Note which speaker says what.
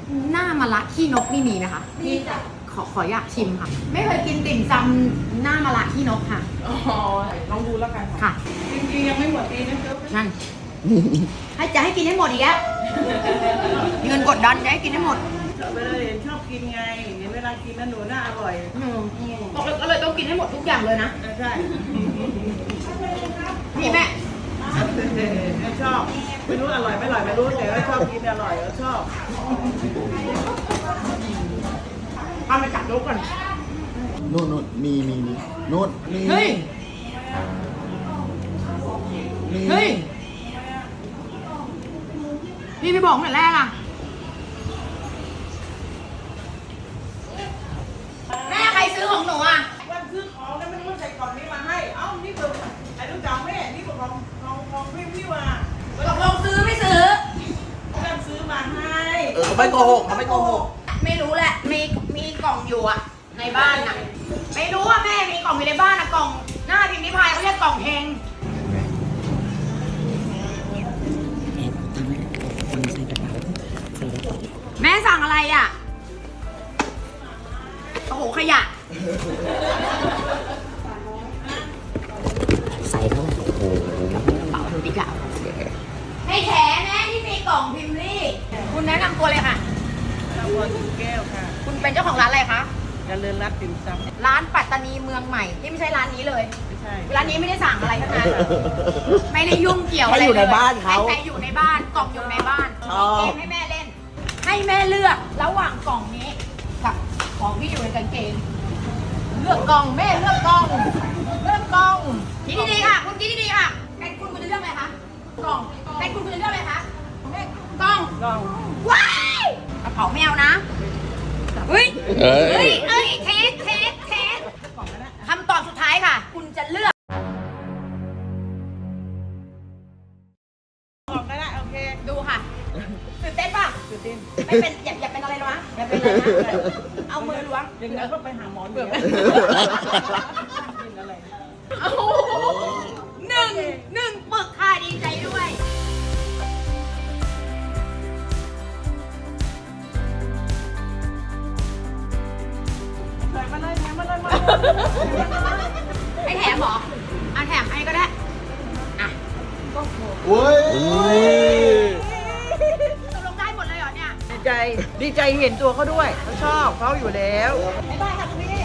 Speaker 1: หน้ามะระขี้นกนี่มีไหมคะมีจ้ะขออยากชิมค่ะ ไม่เคยกินติ่มซำหน้ามะระขี้นกค่ะ
Speaker 2: อ๋อลองดูแล้วกัน
Speaker 1: ค่ะ
Speaker 2: จริงๆยังไม่หมดดีนะเจ้า
Speaker 1: นั่นจะให้กินให้หมดอีกแล้วเงินกดดันจะให้กินให้หมด
Speaker 2: ไปเลยชอบกินไงเห็นเวลากินแล้วหนูน่าอร่อย
Speaker 1: บอกเลยก็เลยต้องกินให้หมดทุกอย่างเลยนะ
Speaker 2: ใช่
Speaker 1: นี่แม่
Speaker 2: ชอบไม่รู้อร่อยไม่อร่อยไม่รู้แต่ว่าชอบกินอร่อยก็ชอบ
Speaker 1: ทำไปจับลูกก่อน
Speaker 3: นู่นมีนู่นมี
Speaker 1: เฮ้ยพี่ไม่บอกตั้งแต่แรกอ่ะแม่ใครซื้อของหนูอ่ะ
Speaker 2: วันซื้อของแล้วมันใส่กล่องนี้มาให้เอ้านี่คือไอ้ลูกสาวแม่นี่คือของพี่ว่า
Speaker 1: ตกลงซื้อไม่ซื้อ
Speaker 2: วันซื้อมาให้
Speaker 3: เขาไม่โกหกเขาไม่โกหก
Speaker 1: ไม่รู้แหละมีกล่องอยู่อ่ะในบ้านอ่ะไม่รู้ว่าแม่มีกล่องอยู่ในบ้านอ่ะกล่องหน้าพิมพ์นิพายเขาเรียกกล่องเฮงแม่สั่งอะไรอ่ะโอ้โหขยะ
Speaker 3: ใส่เท่าไหร่โอ้โห
Speaker 1: เป๋าดูดิกะให้แถแม่ที่มีกล่องพิมพ์ลี่คุณแนะนำตัวเลยค่ะ
Speaker 2: บัวถึงแก้วค่ะ
Speaker 1: คุณเป็นเจ้าของร้านอะไรคะ
Speaker 2: เจริญรัตน์ติ่มซำ
Speaker 1: ร้านปัตตานีเมืองใหม่ที่ไม่ใช่ร้านนี้เลย
Speaker 2: ไม่ใช่
Speaker 1: ร้านนี้ไม่ได้สั่งอะไรทั้งนั้นไม่ได้ยุ่งเกี่ยวอะไร
Speaker 3: อยู่ในบ้านเขา
Speaker 1: ให้อยู่ในบ้านกล่องอยู่ในบ้านเกมให้แม่เล่นให้แม่เลือกระหว่างกล่องนี้กับของที่อยู่ในกางเกงเลือกกล่องแม่เลือกกล่องคิดดีๆค่ะคุณคิดดีๆค่ะเป็นคุณจะเลือกอะไรคะกล่องเป็นคุณจะเลือกอะไรคะกล่องว้ายกระเป๋าแมวนะเฮ้ยเทสคำตอบสุดท้ายค่ะคุณจะเลือก
Speaker 2: บอกก็ได้โอเค
Speaker 1: ดูค่ะตื่นเต้นป่ะ
Speaker 2: ตื่นเต้น
Speaker 1: ไม่เป็นอย่าเป็นอะไรหรอวะอย่าเป็นอะไรนะเอามือล้วง
Speaker 2: อย่างนั้นก็ไปหาหมอเบื่อ
Speaker 1: หนึ่งปึกค่ะดีใจด้วย
Speaker 2: มาเลย
Speaker 1: ให้แถมหรอแถมให้ก็ได้อ่ะ
Speaker 3: โอ้ย
Speaker 1: ตกลงได้หมดเลยเหรอเนี่ย
Speaker 2: ดีใจเห็นตัวเขาด้วยเขาชอบเขาอยู่แล้ว
Speaker 1: บ๊ายบายค่ะคุณพี่